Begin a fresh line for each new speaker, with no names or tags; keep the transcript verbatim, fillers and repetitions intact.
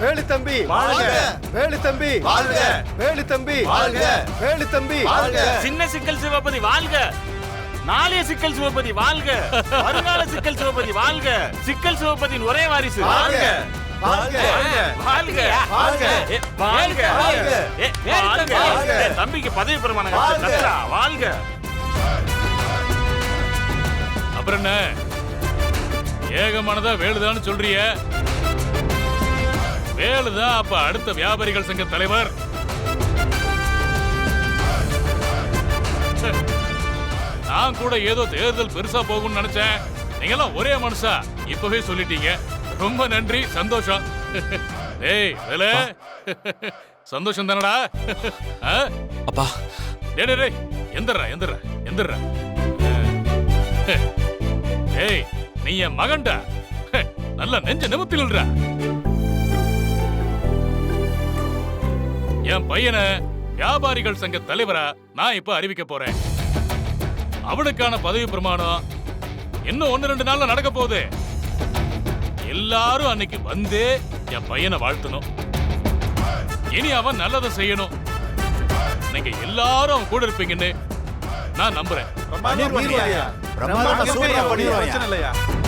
வேலு தம்பி
வாழ்க!
வேலு தம்பி
வாழ்க!
வேலு தம்பி
வாழ்க!
வேலு தம்பி
வாழ்க!
சின்ன சிக்கல் சிவபதி வாழ்க! நாளைய சிக்கல் சிவபதி வாழ்க! வருங்கால சிக்கல் சிவபதி வாழ்க! சிக்கல் சிவபதியின் ஒரே வாரிசு
வாழ்க! வாழ்க!
வாழ்க!
வாழ்க!
ஏ, வாழ்க!
வாழ்க!
ஏ, வாழ்க!
வாழ்க!
ஏ, தம்பிக்கு பதவி பிரமாணம்
வாழ்க!
கட்டுடா, வாழ்க!
அப்புறம் என்ன ஏகமானதா வேலுதான்னு சொல்றிய? வேலுதான் அப்ப அடுத்த வியாபாரிகள் சங்க தலைவர். நான் கூட ஏதோ தேர்தல் பெருசா போகும்னு நினைச்சேன். நீங்க எல்லாம் ஒரே மனுஷா இப்பவே சொல்லிட்டீங்க. ரொம்ப நன்றி, சந்தோஷம். ஏய் வேலு, சந்தோஷம் தானடா?
அப்பா
டேய் டேய் டேய் எந்திரா எந்திரா எந்திரா. ஏய் நீ என் மகன்டா, நல்ல நெஞ்ச நிமித்தில்றா. என் பையனை வியாபாரிகள் சங்க தலைவரா நான் இப்ப அறிவிக்க போறேன். அவனுக்கான பதவி பிரமாணம் இன்னும் ஒன்னு ரெண்டு நாள்ல நடக்க போகுது. எல்லாரும் அன்னைக்கு வந்து என் பையனை வாழ்த்தணும். இனி அவன் நல்லதை செய்யணும். நீங்க எல்லாரும் அவன் கூட இருப்பீங்கன்னு நான் நம்புறேன்.
பண்ணிடுவாயா? பிரமாதமா சூப்பரா பண்ணிடுவாயா?